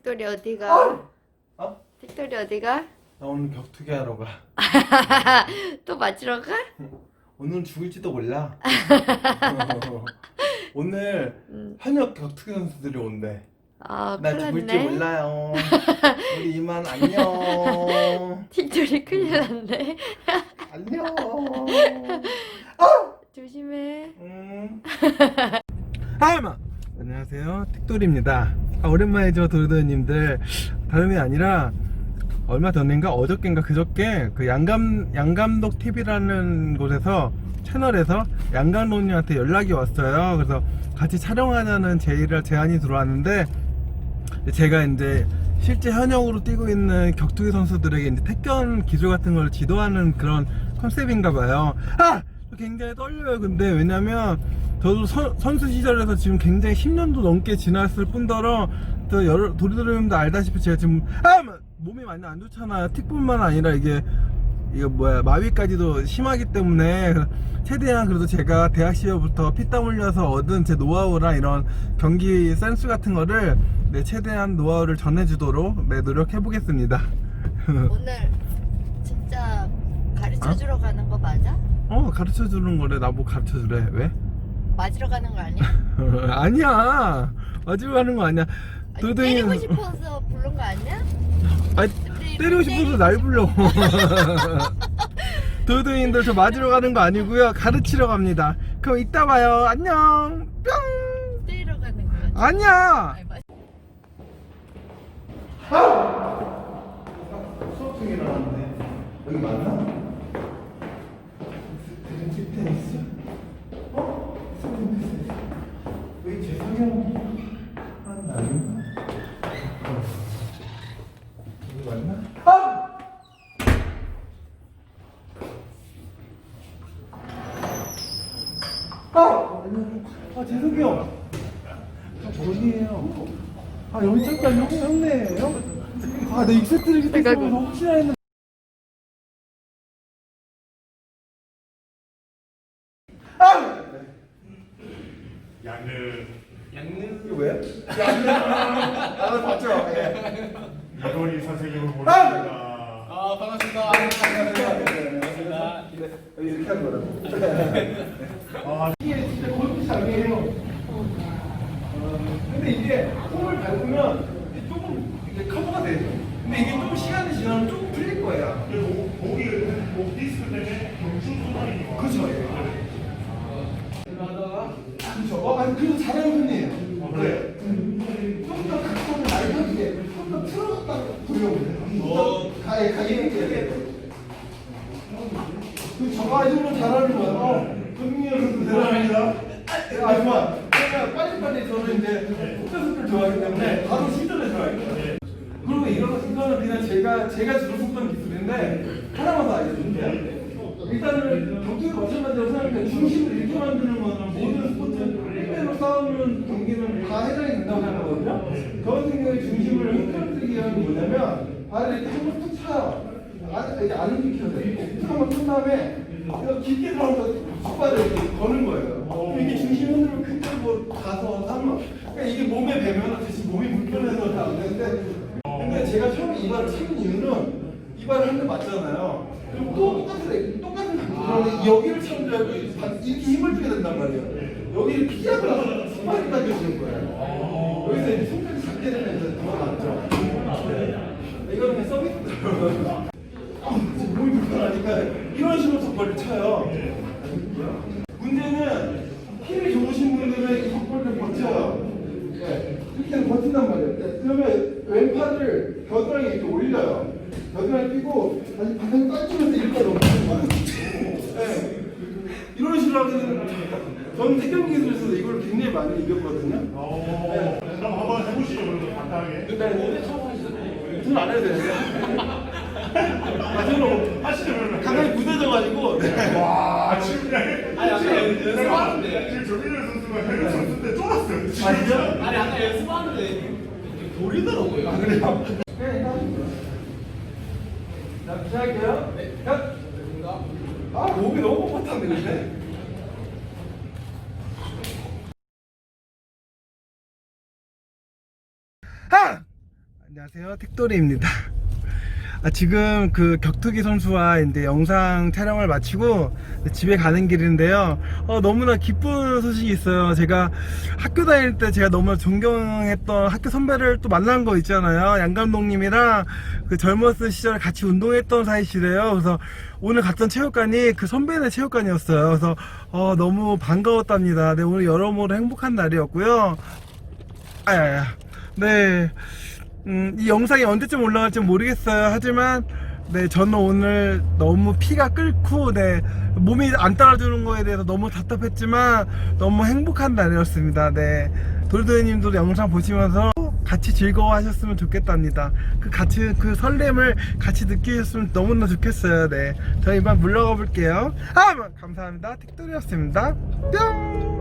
틱돌이 어디가? 어? 틱돌이 어디가? 나 오늘 격투기 하러 가. 또 맞으러 가? 오늘은 죽을지도 몰라. 오늘 현역 격투기 선수들이 온대. 아, 나 큰일 죽을지 났네. 몰라요. 우리 이만 안녕. 틱돌이 큰일 났네. 안녕. 조심해. 하이마. 안녕하세요, 틱돌입니다. 오랜만이죠, 도르도님들. 다름이 아니라 얼마 전인가 어저께인가 그저께 그 양감독 TV라는 곳에서 채널에서 양감독님한테 연락이 왔어요. 그래서 같이 촬영하자는 제안이 들어왔는데, 제가 이제 실제 현역으로 뛰고 있는 격투기 선수들에게 이제 태권 기술 같은 걸 지도하는 그런 컨셉인가 봐요. 굉장히 떨려요. 근데 왜냐면 저도 선수 시절에서 지금 굉장히 10년도 넘게 지났을 뿐더러 또 여러 도리도리님도 알다시피 제가 지금 몸이 많이 안 좋잖아요. 틱뿐만 아니라 이게 마비까지도 심하기 때문에 최대한 그래도 제가 대학 시절부터 피땀 흘려서 얻은 제 노하우랑 이런 경기 센스 같은 거를 최대한 노하우를 전해주도록 노력해 보겠습니다. 오늘 진짜 가르쳐주러 가는 거 맞아? 가르쳐 주는 거래. 나보고 가르쳐 주래. 왜? 맞으러 가는 거 아니야? 아니야. 맞으러 가는 거 아니야. 아니, 때리고 싶어서 부른 거 아니야? 아니, 때리고 싶어서 날 불러. 도도인들 저 맞으러 가는 거 아니고요. 가르치러 갑니다. 그럼 이따 봐요. 안녕. 뿅. 때리러 가는 거야. 아니야. 아니, 수업 중에 나왔는데 여기 맞나? 테니스? 테니스? 왜 재성형 하는 거 아닌가? 여기 맞나? 재석이 형. 어디에요? 여기 잠깐 형네예요? 나 익세트를 그때 써서 혹시나 했는데. 양느 왜? 나 봤죠? 예. 이건희 선생님을 모십니다. 반갑습니다. 반갑습니다. 이렇게 한 거라고. 이게 진짜 골프 장이에요. 근데 이게 홈을 밟으면 조금 이게 커버가 돼요. 근데 이게 좀 시간이 지나면 조금 풀릴 거예요. 목 디스크 때문에 경중 순환이 그렇죠. 그렇죠. 아니 그래도 잘하는 편이에요. 네. 좀 더 각도를 날려주게, 좀 더 틀어졌다고 보려고. 가게 저거 아줌마 잘하는 거야. 금융이어서 대단합니다. 아줌마, 제가 빨리빨리 저는 이제 속도속도를 좋아하기 때문에 바로 시전에 들어갈게요. 그리고 이거는 그냥 제가 주로 속도는 기술인데 하나만 더 알려드릴게요. 일단은 격투기 마찬가지로 생각하면 중심을 이렇게 만드는 거는 모든 스포츠 1대로 싸우는 경기는 다 해당이 된다고 생각하거든요. 저 같은 경우에 중심을 흐트러뜨리기 위한 게 뭐냐면 발을 이렇게 한번 툭 차요. 이렇게 안 움직여야 돼. 툭 한번 튼 다음에 이거 깊게 들어가서 뒷발을 이렇게 거는 거예요. 그럼 이게 중심 흔들면 그때 가서 하면 그러니까 이게 몸에 배면 다시 몸이 불편해서 다 안 되는데 근데 제가 처음에 이 발을 찾은 이유는 이 발을 한 대 맞잖아요. 그럼 또 똑같은 그런데 여기를 차는 줄 알고 이렇게 힘을 주게 된단 말이에요. 여기를 피하고 스파이크 당겨주는 거예요. 여기서 이제 손까지 잡게 되면 이제 더 낫죠. 이거는 그냥 서비스더라고요. 지금 몸이 불편하니까 이런 식으로 덕벌을 쳐요. 문제는 힘이 좋으신 분들은 이 덕벌을 버텨요. 이렇게 버틴단 말이에요. 그러면 왼팔을 겨드랑이에 이렇게 올려요. 겨드랑이 끼고 다시 바닥에 깎이면서 이렇게 넘기는 이런 식으로 하면 저는 태경 기술에서 이걸 굉장히 많이 이겼거든요. 그럼 한번 해보시죠. 그래도 간단하게. 저는 안 해도 되는데. 저는 하시죠 그러면. 가만히 굳어져가지고. 와 지금 지금 조민현 선수가 해외 선수 때 쫄았어요. 진짜? 아니 아까 연습하는데 돌리더라고요. 그래요? 자, 시작할게요. 네. 몸이 너무 뻣뻣한데, 근데? 안녕하세요, 택도리입니다. 지금 그 격투기 선수와 이제 영상 촬영을 마치고 집에 가는 길인데요. 너무나 기쁜 소식이 있어요. 제가 학교 다닐 때 제가 너무나 존경했던 학교 선배를 또 만난 거 있잖아요. 양 감독님이랑 그 젊었을 시절에 같이 운동했던 사이시래요. 그래서 오늘 갔던 체육관이 그 선배네 체육관이었어요. 그래서 너무 반가웠답니다. 네, 오늘 여러모로 행복한 날이었고요. 네. 이 영상이 언제쯤 올라갈지 모르겠어요. 하지만 네, 저는 오늘 너무 피가 끓고 네, 몸이 안 따라주는 거에 대해서 너무 답답했지만 너무 행복한 날이었습니다. 네, 도리도리님도 영상 보시면서 같이 즐거워하셨으면 좋겠답니다. 그 설렘을 같이 느끼셨으면 너무나 좋겠어요. 네, 저희 이만 물러가 볼게요. 감사합니다. 택도리였습니다. 뿅.